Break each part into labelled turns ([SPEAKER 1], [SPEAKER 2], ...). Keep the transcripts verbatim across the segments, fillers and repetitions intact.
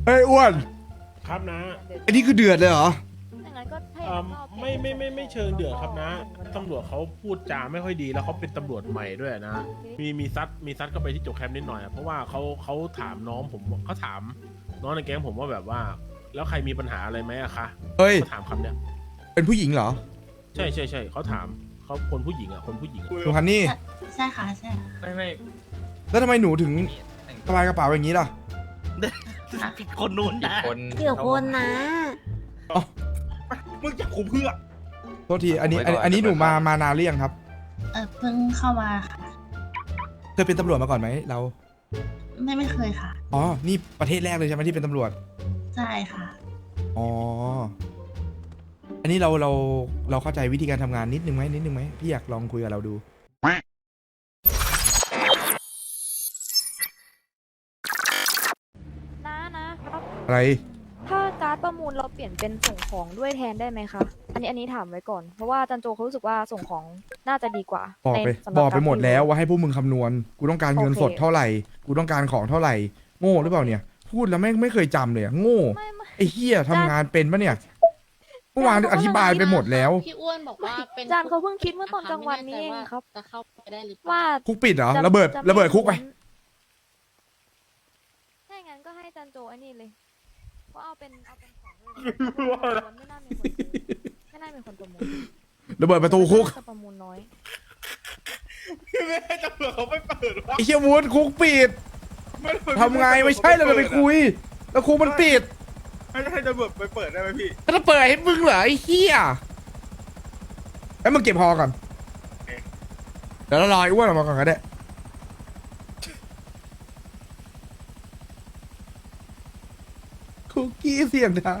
[SPEAKER 1] เฮ้ยอ้วน
[SPEAKER 2] ครับนะ
[SPEAKER 1] อันนี้คือเดือดเลยเหรอ
[SPEAKER 3] อย่างนั้นก็ถ้าอ
[SPEAKER 2] เอ่
[SPEAKER 3] ย่าง
[SPEAKER 2] อ
[SPEAKER 3] นั้นก็เอา
[SPEAKER 2] ไม่ไม่ไม่ไม่เชิงเดือดครับนะตำรวจเขาพูดจาไม่ค่อยดีแล้วเขาเป็นตำรวจใหม่ด้วยนะมีมีซัดมีซัดเข้าไปที่จกแคมป์นิดหน่อยอะเพราะว่าเขาเขาถามน้องผมเขาถามน้องในแก๊งผมว่าแบบว่า แล้วใครมีปัญหาอะไรไหมอะคะ
[SPEAKER 1] เฮ้ย
[SPEAKER 2] เขาถามคำเนี้ย
[SPEAKER 1] เป็นผู้หญิงเหรอ
[SPEAKER 2] ใช่ใช่ใช่เขาถามเขาคนผู้หญิงอะคนผู้หญิงอะ
[SPEAKER 1] คุณฮันนี่
[SPEAKER 4] ใช่ค่ะใช่ค่ะ
[SPEAKER 5] ไม่ไม่
[SPEAKER 1] แล้วทำไมหนูถึงสบายกระเป๋าอย่างนี้ล่ะ
[SPEAKER 5] ผิดคนนู้นนะ
[SPEAKER 6] คน
[SPEAKER 3] เกี่ยวคนนะ
[SPEAKER 5] มึงจับกูเพื่อ
[SPEAKER 1] โทษทีอันนี้อันนี้อันนี้หนูมามานานหรือยังครับ
[SPEAKER 4] เออเพิ่งเข้ามาค่ะ
[SPEAKER 1] เคยเป็นตำรวจมาก่อนไหมเรา
[SPEAKER 4] ไม่ไม่เคยค่ะ
[SPEAKER 1] อ๋อนี่ประเทศแรกเลยใช่ไหมที่เป็นตำรวจ
[SPEAKER 4] ใช่ค่ะ
[SPEAKER 1] อ๋ออันนี้เราเราเราเข้าใจวิธีการทำงานนิดนึงไหมนิดนึงไหมพี่อยากลองคุยกับเราดู
[SPEAKER 3] นะนะครับ
[SPEAKER 1] อะไร
[SPEAKER 3] ถ้าการ์ดประมูลเราเปลี่ยนเป็นส่งของด้วยแทนได้ไหมคะอันนี้อันนี้ถามไว้ก่อน เพราะว่าจันโจเขารู้สึกว่าส่งของน่าจะดีกว่า
[SPEAKER 1] บอกไป
[SPEAKER 3] ในสำหรั
[SPEAKER 1] บอกไป
[SPEAKER 3] าร
[SPEAKER 1] หมดแล้วว่าให้พวกมึงคำนวณกูต้องการเงิน
[SPEAKER 3] โอเค
[SPEAKER 1] สดเท่าไหร่กูต้องการของเท่าไหร่โง่หรือเปล่าเนี่ย พูดแล้วไม่ไม่เคยจำเลยอะโง่
[SPEAKER 3] ไม่ไม่
[SPEAKER 1] ไอ้เฮียทำงานเป็นปะเนี่ยเมื่อวานอธิบายไปหมดแล้ว
[SPEAKER 7] พี่อ้วนบอกว่าเป็น
[SPEAKER 3] จานเขาเพิ่งคิดเมื่อตอนกลางวันนี้เองครับ
[SPEAKER 7] จะเข้าไปได้หรือเปล่า
[SPEAKER 3] ว่า
[SPEAKER 1] คุกปิดเหรอ
[SPEAKER 3] จะ
[SPEAKER 1] ระเบิด
[SPEAKER 3] จ
[SPEAKER 1] ระเบิดคุกไป
[SPEAKER 3] ถ้าอย่างนั้นก็ให้จันโจไอ้นี่เลยก็เอาเป็นเอาเป็นของด้วยไม่น่ามีคนซื้อไม่น่ามีคนประมูล
[SPEAKER 1] ระเบิดประตูคุก
[SPEAKER 3] จะประมูลน้อย
[SPEAKER 5] พี่ไม่ให้ตำรวจเขาไม่เปิดวะ
[SPEAKER 1] ไอ้เฮียวูดคุกปิด
[SPEAKER 5] ไม่เปิด
[SPEAKER 1] ทำไงไม่ใช่เราจะไปคุย แล้วคุกมันปิด
[SPEAKER 5] ให้ให้ตำรวจไปเปิดได้ไหมพี่
[SPEAKER 1] จะเปิดให้มึงเหรอไอ้เฮียแล้วมึงเก็บพอก่อนเดี๋ยวเรารอไอ้อ้วนออกมาก่อนก็ได้คุกกี้เสียงได้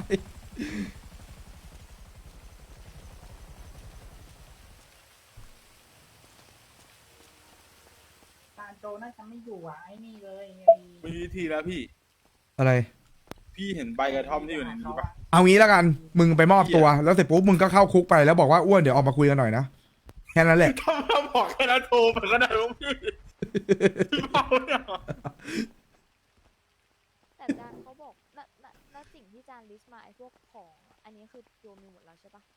[SPEAKER 8] ตาโจน่าจะไม่อยู่อ่ะไอ้นี่เลยไง
[SPEAKER 5] มีวิธีแล้วพี่
[SPEAKER 1] อะไร
[SPEAKER 5] พี่เห็นใบกระท่อมที่อยู่ในนี้ปะ
[SPEAKER 1] เอางี้แล้วกัน มึงไปมอบตัว แล้วเสร็จปุ๊บมึงก็เข้าคุกไปแล้วบอกว่าอ้วนเดี๋ยวออกมาคุยกันหน่อยนะ แค่นั้นแหละ
[SPEAKER 5] ถ้าเราบอกแค่นั้นโทรไปก็ได้ลูกพี่พี่เมาเนี่ย
[SPEAKER 3] แต่จานเขาบอกณณณสิ่งที่จานลิสต์มาไอ้พวกของอะอันนี้คือโยมีหมดแล้วใช่ปะ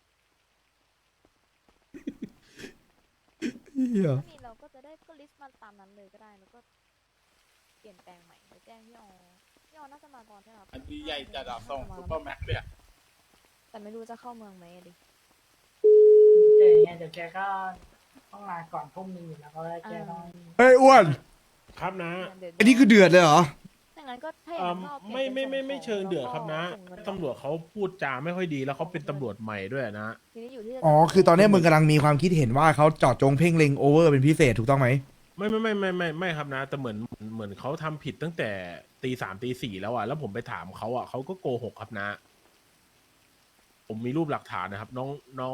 [SPEAKER 1] เหี้ย
[SPEAKER 3] ถ้ามีเราก็จะได้ก็ลิสต์มาตามนั้นเลยก็ได้แล้วก็เปลี่ยนแปลงใหม่ไปแจ้งพี่ออพี่ออน่าจะมาก่อนใช่ไหมครับ
[SPEAKER 5] อันนี้ใหญ่จัดอะส่งซุปเปอร์แม็กซ์เลยอะ
[SPEAKER 3] แต่ไม่รู้จะเข้าเมืองไหมอะดิ
[SPEAKER 8] เจอไงเดี๋ยวแกก็ต้องลาก่อนทุ่มหนึงอยู่แล้วก็แกต้อง
[SPEAKER 1] เฮ้ยอ้วน
[SPEAKER 2] ครับนะ
[SPEAKER 3] เดี๋ยว
[SPEAKER 1] อันนี้คือเดือดเลยเหรอ
[SPEAKER 3] อย่างนั้นก็ถ้าอ
[SPEAKER 2] เอ่
[SPEAKER 3] ย่าง
[SPEAKER 2] อ
[SPEAKER 3] นั้นก็เอาเปลี่
[SPEAKER 2] ไม่
[SPEAKER 3] ยน
[SPEAKER 2] ไม่ไม่
[SPEAKER 3] ป็น
[SPEAKER 2] ไม่
[SPEAKER 3] ส่ง
[SPEAKER 2] เชิงเดือดครับนะ
[SPEAKER 3] ส่งเงิน
[SPEAKER 2] ตำรวจเขาพูดจาไม่ค่อยดีแล้วเขาเป็นตำรวจใหม่ด้วยนะ
[SPEAKER 3] ทีนี้อยู่ที่
[SPEAKER 1] อ๋อ คือตอนนี้มึงกำลังมีความคิดเห็นว่าเขาเจาะจงเพ่งเล็งโอเวอร์เป็นพิเศษถูกต้องไหม
[SPEAKER 2] ไม่ไม่ไม่ไม่ไม่ไม่ครับนะ แต่เหมือนเหมือนเขาทำผิดตั้งแต่ตีสามตีสี่แล้วอ่ะแล้วผมไปถามเขาอ่ะเขาก็โกหกครับนะ ผมมีรูปหลักฐานนะครับ น้องน้อง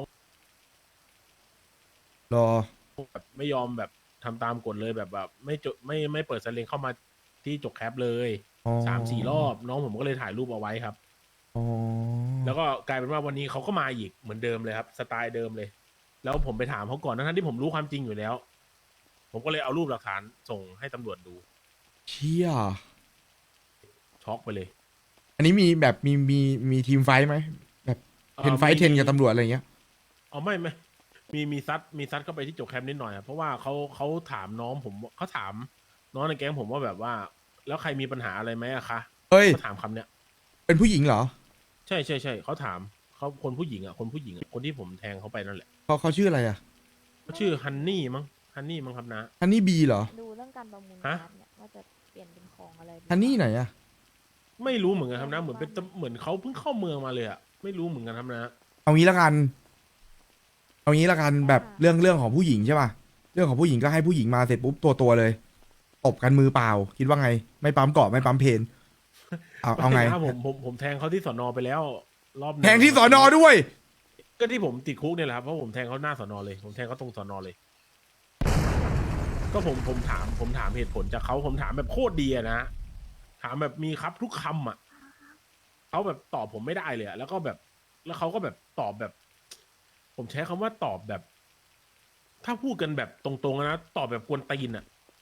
[SPEAKER 1] รอ
[SPEAKER 2] แบบไม่ยอมแบบทำตามกฎเลยแบบแบบไม่จดไม่ไม่เปิดสเลงเข้ามาที่จกแคปเลย
[SPEAKER 1] อ๋อ
[SPEAKER 2] สามสี่รอบ น้องผมก็เลยถ่ายรูปเอาไว้ครับ
[SPEAKER 1] อ๋อ
[SPEAKER 2] แล้วก็กลายเป็นว่าวันนี้เขาก็มาอีกเหมือนเดิมเลยครับ สไตล์เดิมเลย แล้วผมไปถามเขาก่อนทั้งๆที่ผมรู้ความจริงอยู่แล้ว ผมก็เลยเอารูปหลักฐานส่งให้ตำรวจดู
[SPEAKER 1] เชี่ย
[SPEAKER 2] ช็อกไปเลย
[SPEAKER 1] อันนี้มีแบบมีมีมีทีมไฟท์ไหมแบบเห็นไฟท์เทนกับตำรวจอะไรเงี้ย
[SPEAKER 2] อ๋อไม่ไม่มีมีซัดมีซัดเข้าไปที่จกแคมป์นิดหน่อยครับเพราะว่าเขาเขาถามน้องผมเขาถามน้องในแก๊งผมว่าแบบว่า แล้วใครมีปัญหาอะไรไหมอะคะ
[SPEAKER 1] เฮ้ย
[SPEAKER 2] เขาถามคำเนี้ย
[SPEAKER 1] เป็นผู้หญิงเหรอ
[SPEAKER 2] ใช่ใช่ใช่เขาถามเขาคนผู้หญิงอ่ะคนผู้หญิงอะคนที่ผมแทงเขาไปนั่นแหละ
[SPEAKER 1] เขาเขาชื่ออะไรอ่ะ
[SPEAKER 2] เขาชื่อฮันนี่มั้งฮันนี่มั้งครับนะ
[SPEAKER 1] ฮันนี่บีเหรอ
[SPEAKER 3] ดูเรื่องการประมูล
[SPEAKER 2] ฮะ
[SPEAKER 3] การ์ดเนี่ยว่าจะเปลี่ยนเป็นของอะไรดี
[SPEAKER 1] ฮันนี่ไหนอ่ะ
[SPEAKER 2] ไม่รู้เหมือนกันครับนะเหมือนเป็นเหมือนเขาเพิ่งเข้าเมืองมาเลยอ่ะไม่รู้เหมือนกันครับนะ
[SPEAKER 1] เอางี้ละกัน เอางี้ละกันแบบเรื่องเรื่องของผู้หญิงใช่ป่ะ เรื่องของผู้หญิงก็ให้ผู้หญิงมาเสร็จปุ๊บตัวตัวเลย ตบกันมือเปล่า คิดว่าไง ไม่ปั๊มเกาะไม่ปั๊มเพน เอาเอาไง
[SPEAKER 2] ม่นะผมผมผมแทงเขาที่สอนอไปแล้วรอบหนึ่
[SPEAKER 1] แทงที่สอนอด้วย
[SPEAKER 2] ก็ที่ผมติดคุกเนี่ยแหละครับเพราะผมแทงเขาหน้าสอนอเลย ผมแทงเขาตรงสอนอเลย ก็ผมผมถามผมถามเหตุผลจากเขาผมถามแบบโคตรดีอะนะ ถามแบบมีครับทุกคำอ่ะเขาแบบตอบผมไม่ได้เลยอะแล้วก็แบบ แล้วเขาก็แบบตอบแบบ ผมใช้คำว่าตอบแบบ ถ้าพูดกันแบบตรงๆนะตอบแบบกวนตีนอ่ะ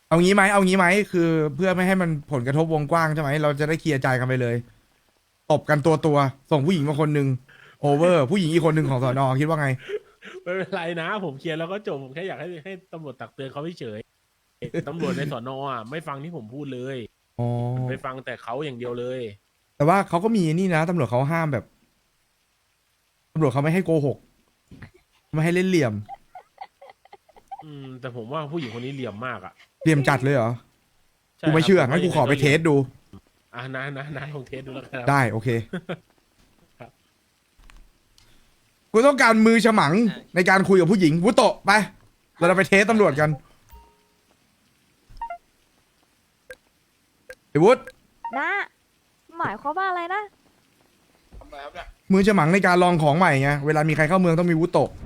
[SPEAKER 1] เอางี้ไหมเอางี้ไหมคือเพื่อไม่ให้มันผลกระทบวงกว้างใช่ไหมเราจะได้เคลียร์ใจกันไปเลยตบกันตัวตัวๆส่งผู้หญิงมาคนหนึ่งโอเวอร์ ผู้หญิงอีกคนหนึ่งของสอนอคิดว่าไง
[SPEAKER 2] ไม่เป็นไรนะ ผมเคลียร์แล้วก็จบผมแค่อยากให้ให้ตำรวจตักเตือนเขาเฉยๆตำรวจในสอนอ่ะไม่ฟังที่ผมพูดเลย
[SPEAKER 1] อ๋อ
[SPEAKER 2] ไปฟังแต่เขาอย่างเดียวเลย
[SPEAKER 1] แต่ว่าเขาก็มีนี่นะตำรวจเขาห้ามแบบตำรวจเขาไม่ให้โกหกไม่ให้เล่นเหลี่ยม
[SPEAKER 2] อืม แต่ผมว่าผู้หญิงคนนี้เหลี่ยมมากอ่ะ
[SPEAKER 1] เหลี่ยมจัดเลยเหรอ
[SPEAKER 2] ใช่
[SPEAKER 1] กูไม่เชื่อ
[SPEAKER 2] ครับ
[SPEAKER 1] งั้นกูขอไปเทสดู
[SPEAKER 2] อ่ะนะนะนะลองเทสดูแล้วกันครับ
[SPEAKER 1] ได้โอเค
[SPEAKER 2] ครับ
[SPEAKER 1] กูต้องการมือฉมังในการคุยกับผู้หญิงวุโตะไป เราจะไปเทสตำรวจกันไอ้วุฒ
[SPEAKER 3] นะหมายความว่าอะไรนะ
[SPEAKER 5] ทำอะไรครับเนี่ย
[SPEAKER 1] มือฉมังในการลองของใหม่ไงเวลามีใครเข้าเมืองต้องมีวุโตะ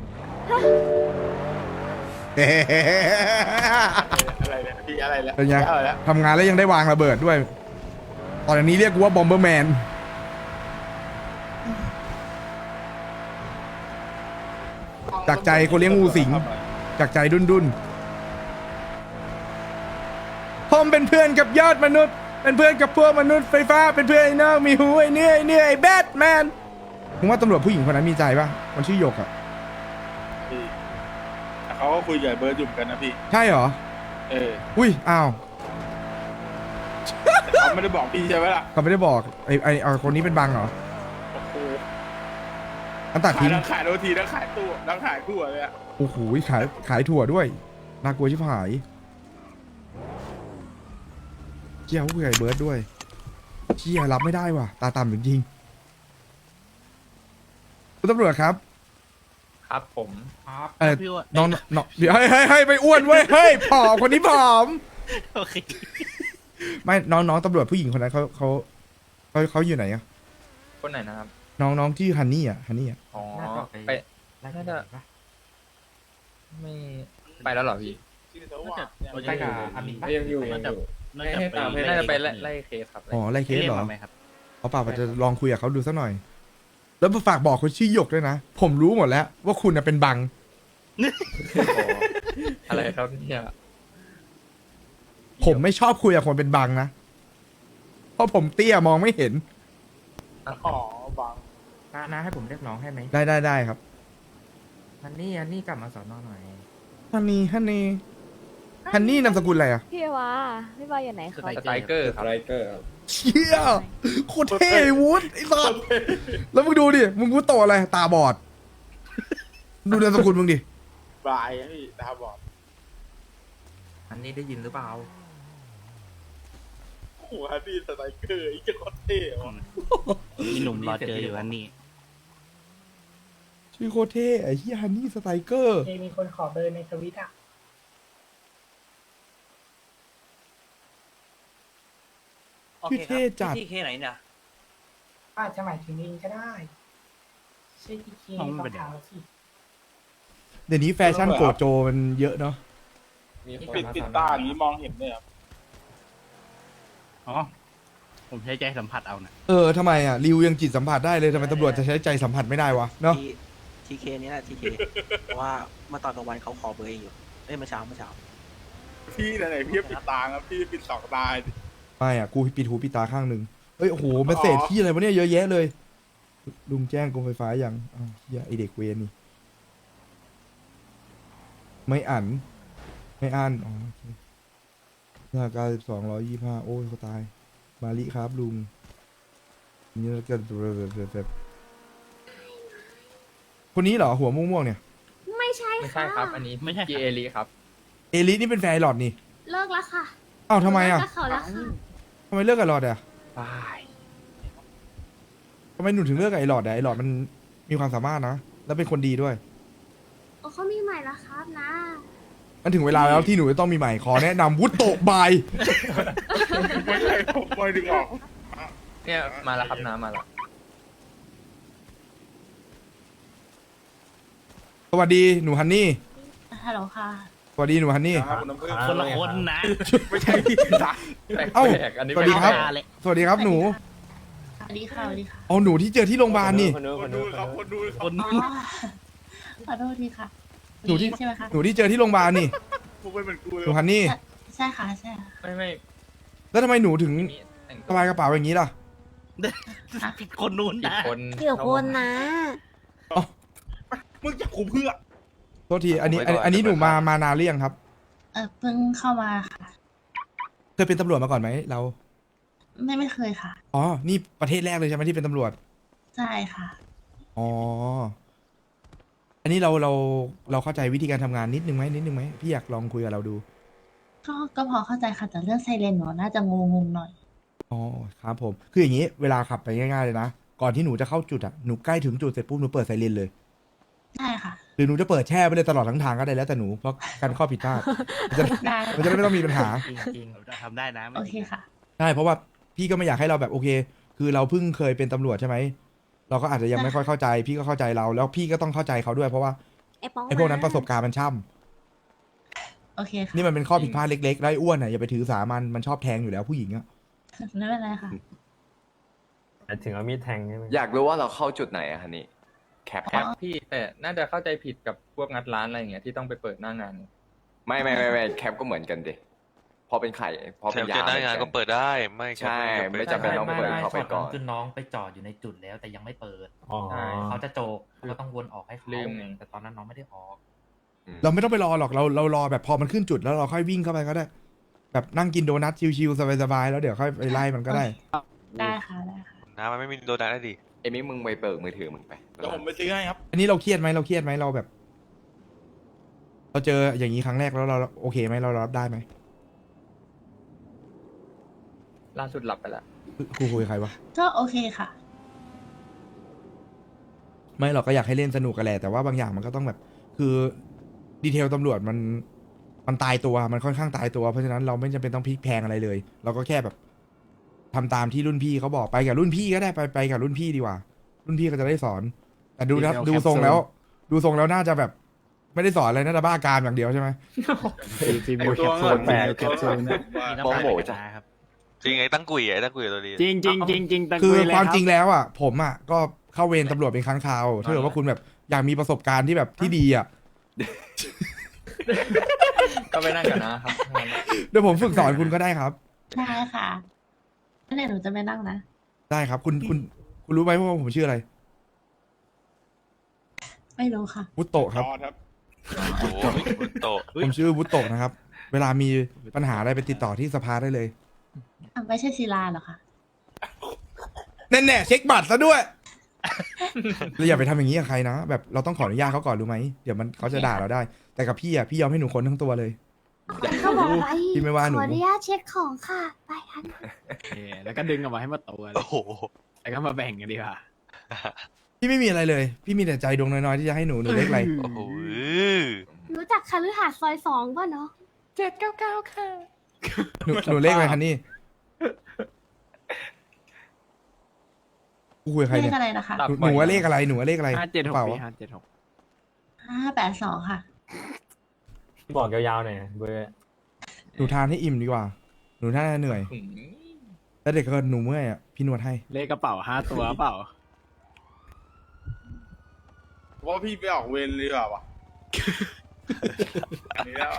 [SPEAKER 5] อะไรเนี่ยพี่อะไรแล้ว
[SPEAKER 1] เป็นไง
[SPEAKER 5] อะไรแล้ว
[SPEAKER 1] ทำงานแล้วยังได้วางระเบิดด้วย ตอนนี้เรียกกูว่าบอมเบอร์แมน จากใจคนเลี้ยงงูสิง จากใจดุนดุนผมเป็นเพื่อนกับยอดมนุษย์ เป็นเพื่อนกับพวกมนุษย์ไฟฟ้า เป็นเพื่อนไอ้นอกมีหูไอ้เนื้อไอ้เนื้อไอ้แบทแมนมึงว่าตำรวจผู้หญิงคนนั้นมีใจปะมันชื่อหยกอะ
[SPEAKER 5] พี่แต่เขาก็คุยกับเบิร์ดอยู่เหมือนกันนะพี่
[SPEAKER 1] ใช่เหรอ
[SPEAKER 5] เออ
[SPEAKER 1] อุ้ย อ้าว
[SPEAKER 5] แต่เขาไม่ได้บอกพี่ใช่ไหมล่ะ
[SPEAKER 1] เขาไม่ได้บอก ไอ้ไอ้เอาคนนี้เป็นบังเหรอ
[SPEAKER 5] โอ้โห
[SPEAKER 1] อันตัด
[SPEAKER 5] ขาย
[SPEAKER 1] ทิ้ง
[SPEAKER 5] ทั้งขายโรตีทั้งขายตู้ทั้งขายทั่วเลยอะ
[SPEAKER 1] โอ้โหขายขายถั่วด้วย น่ากลัวชิบหายเชี่ยผู้ใหญ่เบิร์ดด้วยเชี่ยรับไม่ได้ว่ะ ตาต่ำจริงๆคุณตำรวจครับ
[SPEAKER 6] ครับผม
[SPEAKER 1] เออน้องน้องเดี๋ยวเฮ้ยเฮ้ยเฮ้ยไปอ้วนเว้ย เฮ้ย ผอมคนนี้ผอม
[SPEAKER 6] โอเค
[SPEAKER 1] ไม่น้องน้องตำรวจผู้หญิงคนนั้นเขาเขาเขาเขาอยู่ไหนอะ
[SPEAKER 6] คนไหนนะครับ
[SPEAKER 1] น้องน้องที่ฮันนี่อะฮันนี่อะ
[SPEAKER 6] อ๋อ ไปน่าจะไม่ไปแล้วเหรอพี่
[SPEAKER 5] ไปกับอามิน
[SPEAKER 6] ยังอยู่ยังอยู่น่าจะไปไล่ไล่เคสครับ
[SPEAKER 1] อ๋อไล่เคสเหรอ
[SPEAKER 6] ไหมครับ
[SPEAKER 1] เอาเปล่าจะลองคุยกับเขาดูสักหน่อย แล้วฝากบอกคนชื่อหยกด้วยนะ ผมรู้หมดแล้ว ว่าคุณน่ะเป็นบัง
[SPEAKER 6] อะไรครับเนี่ย
[SPEAKER 1] ผมไม่ชอบคุยกับคนเป็นบังนะ เพราะผมเตี้ยมองไม่เห็น
[SPEAKER 5] อ๋อบัง
[SPEAKER 9] นะนะให้ผมเรียกน้องให้ไหม
[SPEAKER 1] ได้ได้ได้ครับ
[SPEAKER 9] ฮันนี่ฮันนี่กลับมาสอนอหน่อย
[SPEAKER 1] ฮันนี่ฮันนี่ฮันนี่นามสกุลอะไรอะ
[SPEAKER 3] พี่วาพี่วาอยู่ไหนครับ
[SPEAKER 6] สไตรเกอร์ครับ
[SPEAKER 1] เชี่ยโคตรเท่วุฒไอ้สัสแล้วมึงดูดิ มึงวุฒโตอะไร ตาบอด ดูนามสกุลมึงดิ
[SPEAKER 5] บายอะพี่ตาบอด
[SPEAKER 9] ฮันนี่ได้ยินหรือเปล่า
[SPEAKER 5] โอ้โหฮันนี่สไตรเกอร์ไอ้เจ้าโคตรเท่ว่ะ
[SPEAKER 9] มีหนุ่มรอเจออยู่ฮันนี่
[SPEAKER 1] ชื่อโคตรเท่ไอ้เฮียฮันนี่สไตรเกอร์
[SPEAKER 8] เคมีคนขอเบอร์ในทวิตอ่ะ
[SPEAKER 1] ชื่อเท่จัด
[SPEAKER 9] ที่เคไหนเนี่ย
[SPEAKER 8] อาจจะหมายถึงเองก็ได้ใช่ที่เคต้องถามเราสิ
[SPEAKER 1] เดี๋ยวนี้แฟชั่นโกโจมันเยอะเนาะ
[SPEAKER 5] ปิดปิดตาอย่างนี้มองเห็นเลยครับ
[SPEAKER 9] อ๋อ ผมใช้ใจสัมผัสเอานะ
[SPEAKER 1] เออทำไมอ่ะริวยังจิตสัมผัสได้เลยทำไมตำรวจจะใช้ใจสัมผัสไม่ได้วะเนาะ
[SPEAKER 10] ทีเคนี่แหละทีเคเพราะว่าเมื่อตอนกลางวันเขาขอเบอร์เองอยู่เอ้ยเมื่อเช้าเมื่อเช้า
[SPEAKER 5] พี่ไหนๆพี่ปิดตาครับพี่ปิดสองตาดิ
[SPEAKER 1] ไม่อ่ะกูปิดหูปิดตาข้างหนึ่งเอ้ยโอ้โหเมสเซจที่อะไรวะเนี่ยเยอะแยะเลย ลุงแจ้งกรมไฟฟ้ายังอ้าวเฮียไอเด็กเวรนี่ ไม่อ่านไม่อ่านอ๋อโอเคหน้าการสองร้อยยี่ห้าโอ้ยเขาตาย มาลิครับลุงนี่แล้วก็แบบคนนี้เหรอหัวม่วงๆเนี่ย
[SPEAKER 7] ไม่ใช่
[SPEAKER 6] ไม่ใช่ครับ อันนี้ไม่ใช่พี่เอลีครับ
[SPEAKER 1] เอลินี่เป็นแฟนไอหลอดนี่
[SPEAKER 7] เลิกแล้วค่ะ
[SPEAKER 1] อ้าวทำไมอ่ะ
[SPEAKER 7] เลิกกับเขาแล้วค่ะ
[SPEAKER 1] ทำไมเลิกกับไอหลอดอ่ะ
[SPEAKER 6] บาย
[SPEAKER 1] ทำไมหนูถึงเลิกกับไอหลอดอ่ะไอหลอดมันมีความสามารถนะแล้วเป็นคนดีด้วย
[SPEAKER 7] โอ้เขามีใหม่แล้วครับนะ
[SPEAKER 1] มันถึงเวลาแล้วที่หนูจะต้องมีใหม่ขอแนะนำวุฒโตบาย
[SPEAKER 5] ไม่ใช่ผมไม่ดึงออก
[SPEAKER 6] เนี่ยมาแล้วครับน้ำมาแล้ว
[SPEAKER 1] สวัสดีหนูฮันนี่
[SPEAKER 4] ฮัลโหลค่ะ
[SPEAKER 1] สวัสดีหนูฮันนี่
[SPEAKER 5] ครับคุณน้ำผึ้ง
[SPEAKER 9] คนละคนนะ
[SPEAKER 5] ไม่ใช่พี่ตา
[SPEAKER 6] แปลก
[SPEAKER 1] เอ้า
[SPEAKER 6] ๆอันนี้
[SPEAKER 1] สวัสดีครับ
[SPEAKER 6] แปลก
[SPEAKER 1] สวัสดีครับหนู
[SPEAKER 4] สวัสดีค่ะสวัสดีค่ะ
[SPEAKER 1] อ๋อหนูที่เจอที่โรงพยาบาลนี่
[SPEAKER 5] คนดูครับคนดูครับ
[SPEAKER 9] คน
[SPEAKER 4] อ๋อขอโทษทีค่ะ
[SPEAKER 1] หนูที่
[SPEAKER 4] ใช่ไหมคะ
[SPEAKER 1] หนูที่เจอที่โรงพยาบาลนี่
[SPEAKER 5] กูไม่เป็นกูเล
[SPEAKER 1] ห
[SPEAKER 5] ย
[SPEAKER 1] นูฮันนี่
[SPEAKER 4] ใใช่ค่ะใช่ค่ะ
[SPEAKER 6] ไม่ไม่
[SPEAKER 1] แล้วทำไมหนูถึง
[SPEAKER 6] มีแต่ง
[SPEAKER 1] สบายกระเป๋าอย่างนี้ล่ะ
[SPEAKER 9] ผิดคนนู้น
[SPEAKER 6] ผิด
[SPEAKER 9] นะ
[SPEAKER 6] คน
[SPEAKER 7] เกี่ยวคนนะ
[SPEAKER 5] มึงจับกูเพื่อ
[SPEAKER 1] โทษทีอันนี้อันนี้อันนี้หนูมามานานหรือยังครับ
[SPEAKER 4] เออเพิ่งเข้ามาค่ะ
[SPEAKER 1] เคยเป็นตำรวจมาก่อนไหมเรา
[SPEAKER 4] ไม่ไม่เคยค่ะ
[SPEAKER 1] อ๋อ นี่ประเทศแรกเลยใช่ไหมที่เป็นตำรวจ
[SPEAKER 4] ใช่ค่ะ
[SPEAKER 1] อ๋อ อันนี้เราเราเราเข้าใจวิธีการทำงานนิดนึงไหมนิดนึงไหมพี่อยากลองคุยกับเราดู
[SPEAKER 4] ก็ก็พอเข้าใจค่ะแต่เรื่องไซเรนหนูน่าจะงงงๆหน่อย
[SPEAKER 1] อ๋อครับผม คืออย่างนี้เวลาขับไปง่ายๆเลยนะ ก่อนที่หนูจะเข้าจุดอ่ะ หนูใกล้ถึงจุดเสร็จปุ๊บหนูเปิดไซเรนเลย
[SPEAKER 4] ใช่ค่ะ
[SPEAKER 1] หรือหนูจะเปิดแช่ไปเลยตลอดทั้งทางก็ได้แล้วแต่หนู เพราะการข้อผิดพลาดมันจะ
[SPEAKER 4] ได้
[SPEAKER 1] มันจะได้ไม่ต้องมีปัญหา
[SPEAKER 9] จริงๆเราทำได้นะไม่
[SPEAKER 4] โอ
[SPEAKER 9] มี
[SPEAKER 4] เคค่ะ
[SPEAKER 1] ใช่ เพราะว่าพี่ก็ไม่อยากให้เราแบบโอเค คือเราเพิ่งเคยเป็นตำรวจใช่ไหม เราก็อาจจะยังไม่ค่อยเข้าใจ พี่ก็เข้าใจเรา แล้วพี่ก็ต้องเข้าใจเขาด้วยเพราะว่า
[SPEAKER 7] ไอ้ป้อง
[SPEAKER 1] ไอ้พวกนั้นประสบการณ์มันช่ำ
[SPEAKER 4] โอเคค่ะ
[SPEAKER 1] นี่มันเป็นข้อผิดพลาดเล็กๆแล้วไอ้อ้วนอ่ะอย่าไปถือสามันมันชอบแทงอยู่แล้วผู้หญิงอ่ะ
[SPEAKER 4] ไม่เป็นไรค่ะ
[SPEAKER 11] ถึงเอามีดแทงใช่ไหม
[SPEAKER 12] อยากรู้ว่าเราเข้าจุดไหนอะฮันนี่แคป
[SPEAKER 6] แค
[SPEAKER 12] แค
[SPEAKER 6] ป
[SPEAKER 12] ป
[SPEAKER 6] พี่แต่น่าจะเข้าใจผิดกับพวกงัดร้านอะไรอย่างเงี้ยที่ต้องไปเปิดหน้างาน
[SPEAKER 12] ไม่ไม่ไม่ไม่แคปก็เหมือนกันดิพอเป็นไข่พอเป็นยาหน้างานก็เปิดได้ไม่ใช่ไม่จำเป็นต้องเปิดเข้าไปก่อน
[SPEAKER 11] คือน้องไปจอดอยู่ในจุดแล้วแต่ยังไม่เปิด
[SPEAKER 5] อ๋อ
[SPEAKER 6] ใช่
[SPEAKER 11] เขาจะโจกก็ต้องวนออกให้เขา
[SPEAKER 6] ลืมไง
[SPEAKER 11] แต่ตอนนั้นน้องไม่ได้ออก
[SPEAKER 1] เราไม่ต้องไปรอหรอกเราเรารอแบบพอมันขึ้นจุดแล้วเราค่อยวิ่งเข้าไปก็ได้ แบบนั่งกินโดนัทชิวๆสบายๆแล้วเดี๋ยวค่อยไปไล่มันก็ได้
[SPEAKER 4] ได้ค่ะได้ค่ะ
[SPEAKER 12] น้ำมันไม่มีโดนัทได้ดิเอมี่มึงไปเปิดมือถือมึงไป
[SPEAKER 5] เดี๋ยวผมไปซื้อให้ครับ
[SPEAKER 1] อันนี้เราเครียดไหมเราเครียดไหมเราแบบ เราเจออย่างนี้ครั้งแรกแล้วเราโอเคไหมเรารับได้ไหม
[SPEAKER 6] ล่าสุดหลับไปแล้ว
[SPEAKER 1] ครูคุยกับใครวะ
[SPEAKER 4] ก็โอเคค่ะ
[SPEAKER 1] ไม่เราก็อยากให้เล่นสนุกกันแหละแต่ว่าบางอย่างมันก็ต้องแบบ คือดีเทลตำรวจมันมันตายตัวมันค่อนข้างตายตัวเพราะฉะนั้นเราไม่จำเป็นต้องพลิกแพลงอะไรเลย เราก็แค่แบบทำตามที่รุ่นพี่เขาบอกไปกับรุ่นพี่ก็ได้ไปไปกับรุ่นพี่ดีกว่า รุ่นพี่ก็จะได้สอน แต่ดูนะ
[SPEAKER 5] Detail
[SPEAKER 1] ดูทรง
[SPEAKER 5] capsule
[SPEAKER 1] แล้ว ดูทรงแล้วน่าจะแบบ ไม่ได้สอนอะไรน่าจะบ้าการอย่างเดียวใช่ไหม
[SPEAKER 11] ฟิล์ม
[SPEAKER 5] ไอ้
[SPEAKER 11] โม
[SPEAKER 5] ตัว
[SPEAKER 11] แคปซูลแปด
[SPEAKER 5] แคปซูลเนี่ย
[SPEAKER 9] มีน้ำตาลกับน้าครับ
[SPEAKER 12] จริงไอ้ตั้งกุยไอ้ตั้งกุยตัวดี
[SPEAKER 11] จริงจริงจริงจริงตัง
[SPEAKER 1] คือ
[SPEAKER 11] กุยเลย
[SPEAKER 1] ความ
[SPEAKER 11] รับ
[SPEAKER 1] จริงแล้วอ่ะ ผมอ่ะก็เข้าเวรตำรวจเป็นครั้งคราวถ้าเกิดว่าคุณแบบอยากมีประสบการณ์ที่แบบที่ดีอ่ะ
[SPEAKER 6] ก็ไปนั่งกันนะครับงั้น
[SPEAKER 1] เดี๋ยวผมฝึกสอนคุณก็ได้ครับ
[SPEAKER 4] ได้ค่ะนั่นเดี๋ยวหนูจะไปนั่งนะ
[SPEAKER 1] ได้ครับ คุณคุณคุณรู้ไหมว่าผมชื่ออะไร
[SPEAKER 4] ไม่รู้ค่ะ
[SPEAKER 1] วุตโตะครับ
[SPEAKER 5] จอครับ
[SPEAKER 12] โอ้โหโต
[SPEAKER 1] ผมชื่อวุตโตะนะครับ เวลามีปัญหาอะไรไปติดต่อที่สภาได้เลย
[SPEAKER 4] อ่ะไม่ใช่ศิลาเหรอคะ
[SPEAKER 1] แน่ๆเช็คบัตรซะด้วยเราอย่าไปทำอย่างนี้กับใครนะ แบบเราต้องขออนุญาตเขาก่อนรู้ไหมเดี๋ยวมันเขาจะด่าเราได้ แต่กับพี่อ่ะพี่ยอมให้หนูค้นทั้งตัวเลย
[SPEAKER 7] เขาบอกไป
[SPEAKER 1] พี่ไม่ว่าหนู
[SPEAKER 7] ขออนุญาตเช็คของค่ะ ไปทัน
[SPEAKER 11] เออแล้วก็ดึงออกมาให้มาตัวเลย
[SPEAKER 12] โอ้โห
[SPEAKER 11] แล้วก็มาแบ่งกันดีกว่า
[SPEAKER 1] พี่ไม่มีอะไรเลย พี่มีแต่ใจดวงน้อยๆที่จะให้หนูหนูเล็กอะไร
[SPEAKER 12] โอ้โห
[SPEAKER 7] รู้จักคฤหาสน์ซอยสองป่ะเนาะ
[SPEAKER 4] เจ็ดเก้าเก้าค่ะ
[SPEAKER 1] หนูหนูเลขอะไรคันนี่กูคุยกับใคร
[SPEAKER 4] เล
[SPEAKER 1] เนี่ย
[SPEAKER 4] ขอะไรนะคะ
[SPEAKER 6] หลับ
[SPEAKER 1] หนูห
[SPEAKER 6] บ่อย
[SPEAKER 1] นูว่าเลขอะไรหนูว่าเลขอะไร
[SPEAKER 11] ห้าเจ็ดหก
[SPEAKER 1] เปล่า
[SPEAKER 11] พี่ห้าเจ็ดหก
[SPEAKER 4] ห้าแปดสองค่ะ
[SPEAKER 11] บอกยาวๆหน่อยเบอร์
[SPEAKER 1] หนูทานให้อิ่มดีกว่า หนูน่าจะเหนื่อย
[SPEAKER 6] อืม
[SPEAKER 1] แล้วเด็กก็หนูเมื่อยอ่ะพี่นวดให้
[SPEAKER 11] เลขกระเป๋าห้าตัวเปล่า
[SPEAKER 5] ว่าพี่ไปออกเวรเลยดีกว่าวะอันนี้แล้วอะ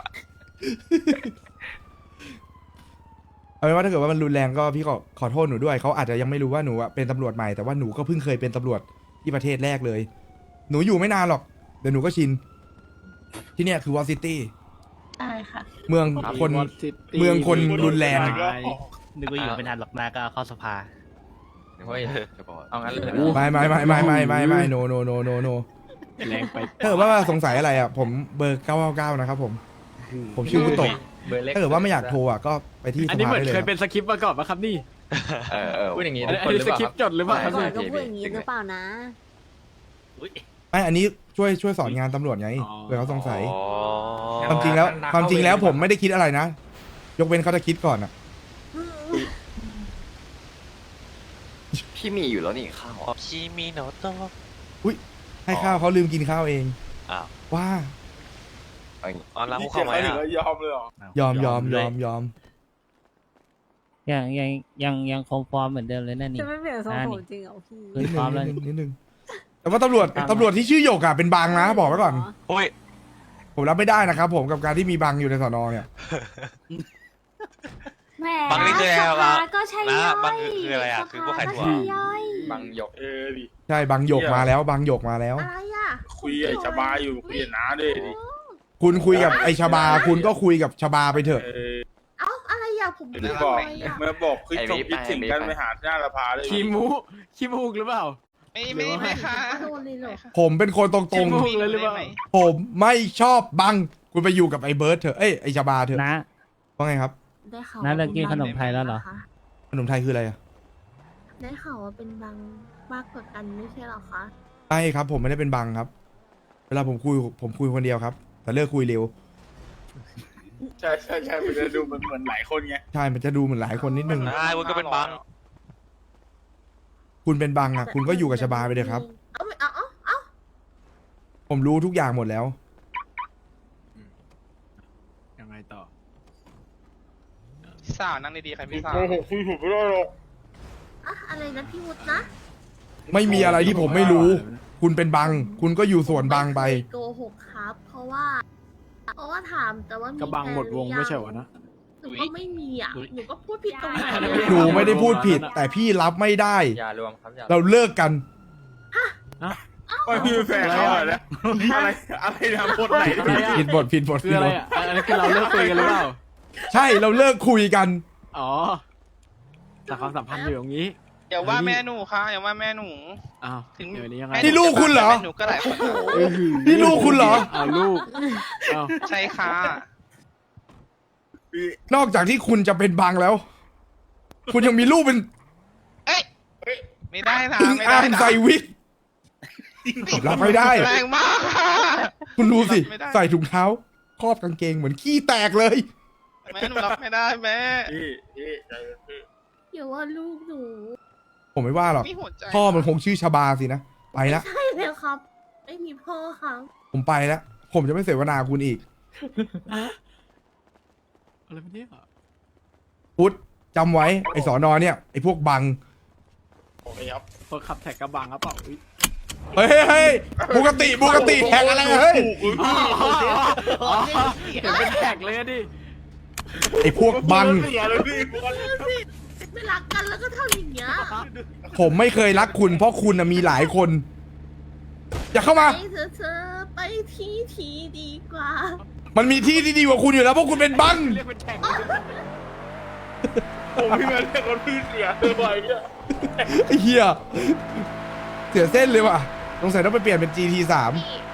[SPEAKER 1] เอาเป็นว่าถ้าเกิดว่ามันรุนแรงก็พี่ขอขอโทษหนูด้วยเขาอาจจะยังไม่รู้ว่าหนูอะเป็นตำรวจใหม่แต่ว่าหนูก็เพิ่งเคยเป็นตำรวจที่ประเทศแรกเลย หนูอยู่ไม่นานหรอกเดี๋ยวหนูก็ชิน ที่เนี่ยคือวอซิตี้
[SPEAKER 4] ได้ค่ะ
[SPEAKER 1] เมืองคน เมืองคนรุนแรง
[SPEAKER 9] นึกว่าอยู่ไม่นานหรอกนาก็เข้าสภา
[SPEAKER 6] เฮ้ย
[SPEAKER 12] จะบอก
[SPEAKER 6] เอางั้นเลย
[SPEAKER 1] ไม่ไม่ไม่ไม่ไม่ไม่ไม่โนโนโนโนโน
[SPEAKER 11] แรงไป
[SPEAKER 1] ถ้าเกิดว่าสงสัยอะไรอ่ะผมเบอร์เก้าเก้าเก้านะครับผม ผมชื่อวุตโตะ
[SPEAKER 6] เบอร์เล็ก
[SPEAKER 1] ถ้าเกิดว่าไม่อยากโทรอ่ะก็ไปที่
[SPEAKER 11] อัน
[SPEAKER 1] ส
[SPEAKER 11] นี้
[SPEAKER 1] ภา
[SPEAKER 11] เหมือน
[SPEAKER 1] ได้เลย
[SPEAKER 11] เค
[SPEAKER 1] ค
[SPEAKER 11] ย
[SPEAKER 1] รับ
[SPEAKER 11] เป็นสคริปต์มาก่อนปะครับนี่
[SPEAKER 12] เออเออ
[SPEAKER 6] พูดอย่างนี้
[SPEAKER 11] อัน
[SPEAKER 6] ทุก
[SPEAKER 11] นี้
[SPEAKER 6] คนหรือ
[SPEAKER 11] อัน
[SPEAKER 6] เป
[SPEAKER 11] นี้ส
[SPEAKER 6] ล่า
[SPEAKER 11] คริปต์จดหรือเปล่าครับ
[SPEAKER 7] ก่อน
[SPEAKER 11] นี่
[SPEAKER 7] ก็พูดอย่างนี้หรือเปล่านะ
[SPEAKER 1] ไม่อันนี้ช่วยช่วยสอนงานตำรวจไง
[SPEAKER 11] อ๋อ
[SPEAKER 1] เผื่อเขาสงสัย
[SPEAKER 12] อ๋อ
[SPEAKER 1] ความจริงแล้วความจริงแล้วผมไม่ได้คิดอะไรนะ ยกเว้นเขาจะคิดก่อนอ่ะ
[SPEAKER 12] พี่มีอยู่แล้วนี่ข้าวพี่มีโนโต
[SPEAKER 1] ให้ข้าวเขาลืมกินข้าวเอง
[SPEAKER 12] อ้าว
[SPEAKER 1] ว่า
[SPEAKER 12] อ๋อล้าง
[SPEAKER 5] พี่
[SPEAKER 12] เข้า
[SPEAKER 5] เจ็บ
[SPEAKER 12] มา
[SPEAKER 5] แล้วถึงก็ยอมเลยเหรอ
[SPEAKER 1] ยอมยอมยอมยอม
[SPEAKER 11] ยังยังยังยังคงฟอร์มเหมือนเดิมเลยนั่นนี่
[SPEAKER 7] จะไม่เปลี่ยนทรง
[SPEAKER 11] อ่า
[SPEAKER 7] ผ
[SPEAKER 11] นี่
[SPEAKER 7] มจริงเหรอพี่
[SPEAKER 11] เฮ้ย
[SPEAKER 1] นิด
[SPEAKER 11] พร้อม
[SPEAKER 1] นึ
[SPEAKER 11] แล้ว
[SPEAKER 1] งนิดนึงแต่ว่าตำรวจตำรวจที่ชื่อหยกอ่ะเป็นบางนะบอกไว้ก่อน
[SPEAKER 12] โอ้ย
[SPEAKER 1] ผมรับไม่ได้นะครับผมกับการที่มีบางอยู่ในสอนอเนี่ย
[SPEAKER 7] แหม
[SPEAKER 6] บางนี่คืออะไร
[SPEAKER 7] ส
[SPEAKER 6] วะ
[SPEAKER 7] ภาก็ใช่
[SPEAKER 6] นะ
[SPEAKER 7] ย่อย
[SPEAKER 6] บางคือคืออะไรอะคือพวกขายถั่ว
[SPEAKER 7] สภก็ใช่ย่อย
[SPEAKER 12] บางหยก
[SPEAKER 5] เออดิ
[SPEAKER 1] ใช่บางหยกมาแล้วบางหยกมาแล้ว
[SPEAKER 7] อะไรอ่ะ
[SPEAKER 5] คุยไอ้ชบาอยู่คุยกับน้าด้วยดิ
[SPEAKER 1] คุณคุยกับไอชบา คุณก็คุยกับชบาไปเถอะ
[SPEAKER 5] เออ
[SPEAKER 7] เอ้าอะไรอ่ะผม
[SPEAKER 5] เมื่อบอก
[SPEAKER 7] ะไรอะ
[SPEAKER 5] เมื่อบอกคือ
[SPEAKER 12] ไอ้
[SPEAKER 5] ส่ง
[SPEAKER 12] วิป
[SPEAKER 5] คิดถึงกัน
[SPEAKER 12] ไอ้วิป
[SPEAKER 5] ไปหาหน้าละพาเลย
[SPEAKER 6] ขี้มูขี้มูกหรือเปล่า
[SPEAKER 10] ไม่ไม่ไม่ค่ะ
[SPEAKER 7] โดนเลยเหรอ
[SPEAKER 1] ผมเป็นคนตรง
[SPEAKER 6] เลยหรือเปล่า
[SPEAKER 1] ๆ ผมไม่ชอบบัง คุณไปอยู่กับไอเบิร์ดเถอะ เอ้ยไอชบาเถอะ
[SPEAKER 11] นะ
[SPEAKER 1] ว่าไงครับ
[SPEAKER 7] ได้ข่าว
[SPEAKER 11] น้าเลิกกินขนมไทยแล้วเหรอ
[SPEAKER 1] ขนมไทยคืออะไรอะ
[SPEAKER 7] ได้ข่าวว่าเป็นบางมากกว่ากันไม่ใช่หรอคะ
[SPEAKER 1] ใช่ครับ ผมไม่ได้เป็นบังครับ เวลาผมคุยผมคุยคนเดียวครับ แต่เลิกคุยเร็ว
[SPEAKER 5] ใช่ใช่ใช่มันจะดูมันเหมือนหลายคนไง
[SPEAKER 1] ใช่ มันจะดูเหมือนหลายคนนิดนึง
[SPEAKER 6] นายวุ้นก็เป็นบัง
[SPEAKER 1] คุณเป็นบังอ่ะ คุณก็อยู่กับชบาไปเลยครับ
[SPEAKER 7] เอาไม่เอาเอาเอา
[SPEAKER 1] ผมรู้ทุกอย่างหมดแล้ว
[SPEAKER 6] ยังไงต่อ
[SPEAKER 10] สาวนั่งดีๆใครพี่สาว
[SPEAKER 5] โอ้โหคุยถูกไม่ได้หรอก
[SPEAKER 7] อะอะไรนะพี่วุฒินะ
[SPEAKER 1] ไม่มีอะไรที่ผมไม่รู้ คุณเป็นบัง คุณก็อยู่ส่วนบังไป
[SPEAKER 7] ม่เคยโกหกครับ เพราะว่า เพราะว่าถามแต่ว่ามี
[SPEAKER 6] กระบังหมดวง
[SPEAKER 7] แฟนรือ
[SPEAKER 6] ไม่ใช่เหรอนะ
[SPEAKER 7] หนูก็ไม่มีอ่ะ หนูก็พูดผิดตรงไหน
[SPEAKER 1] หนูไม่ได้พูดผิด แต่พี่รับไม่ได้
[SPEAKER 12] อย่ารวมครับอย่า
[SPEAKER 1] เราเลิกกัน
[SPEAKER 5] ไม่มีแฟนเขาอะนะอะไรอะไรนะบทไหน
[SPEAKER 6] อะไรอะ
[SPEAKER 1] ผิดบทผิดบท
[SPEAKER 6] คือ
[SPEAKER 1] ผิด
[SPEAKER 6] อะไร
[SPEAKER 1] บท
[SPEAKER 6] อ่ะอันนี้คือเราเลิกคุยกันหรือเปล่า
[SPEAKER 1] ใช่เราเลิกคุยกัน
[SPEAKER 6] อ๋อแต่ความสัมพันธ์อยู่อย่างนี้
[SPEAKER 10] อย่าว่าแม่หนูค่ะอย่าว่าแม่หนู
[SPEAKER 6] อ้าว
[SPEAKER 10] ถึง
[SPEAKER 6] เดี๋ยวนี้ยังไง
[SPEAKER 1] นี่ลูกคุณเหรอ
[SPEAKER 10] แม่หนูก็หลายคน
[SPEAKER 1] นี่ลูกคุณเหรอ
[SPEAKER 6] อ้าวลูกอ้าว
[SPEAKER 10] ใช่ค่ะ
[SPEAKER 1] นอกจากที่คุณจะเป็นบังแล้ว คุณยังมีลูกเป็น
[SPEAKER 10] เอ้ยไม่ได้นะ
[SPEAKER 1] ถึง
[SPEAKER 10] ไม่
[SPEAKER 1] อ่า
[SPEAKER 10] ได้
[SPEAKER 1] ง
[SPEAKER 10] นะ
[SPEAKER 1] ใส่วิกรับไม่ได้
[SPEAKER 10] แรงมากค่ะ
[SPEAKER 1] คุณดูสิ
[SPEAKER 10] ไม่ได้
[SPEAKER 1] ใส่ถุงเท้า ครอบกางเกงเหมือนขี้แตกเลย
[SPEAKER 10] แม่หนูรับไม่ได้แม่
[SPEAKER 5] พี่พี่ใจเย็นพี่
[SPEAKER 7] อย่าว่าลูกหนู
[SPEAKER 1] ผมไม่ว่าหรอก
[SPEAKER 10] มีหัวใจ
[SPEAKER 1] พ่อมันคงชื่อชบาสินะ ไปละ
[SPEAKER 7] ใช่เลยครับ ไม่มีพ่อครับ
[SPEAKER 1] ผมไปแล้ว ผมจะไม่เสวนาคุณอีก
[SPEAKER 6] อะไรวะเนี่ย
[SPEAKER 1] พุทธจำไว้ ไอสอนอเนี่ย ไอพวกบัง
[SPEAKER 5] โอเคครับ
[SPEAKER 6] คนขับแท็กกระบังครับเปล่าอุ๊ย
[SPEAKER 1] เฮ้ยเฮ้ยเฮ้ยปกติปกติแท็กอะไรเฮ้ย
[SPEAKER 6] อ๋ออ๋อเห็นเป็นแท็กเลยอะดิ
[SPEAKER 1] ไอพวกบัง
[SPEAKER 5] เสียเลยพี่
[SPEAKER 7] ไม่รักกันแล้วก็เท่าอย่างเงี้ย
[SPEAKER 1] ผมไม่เคยรักคุณ เพราะคุณน่ะมีหลายคน อย่าเข้ามา
[SPEAKER 7] ไปเธอะเธอไปที่ทีดีกว่า
[SPEAKER 1] มันมีที่ที่ดีกว่าคุณอยู่แล้วเพราะคุณเป็นบัง
[SPEAKER 6] เรียกเป็นแท็กเลย
[SPEAKER 5] ผมพี่มาเรียกคนพี่เสียเลยไปเนี่ย
[SPEAKER 1] ไอ้เหี้ยเสียเส้นเลยว่ะสงสัยต้องไปเปลี่ยนเป็น จี ที สาม
[SPEAKER 3] นี่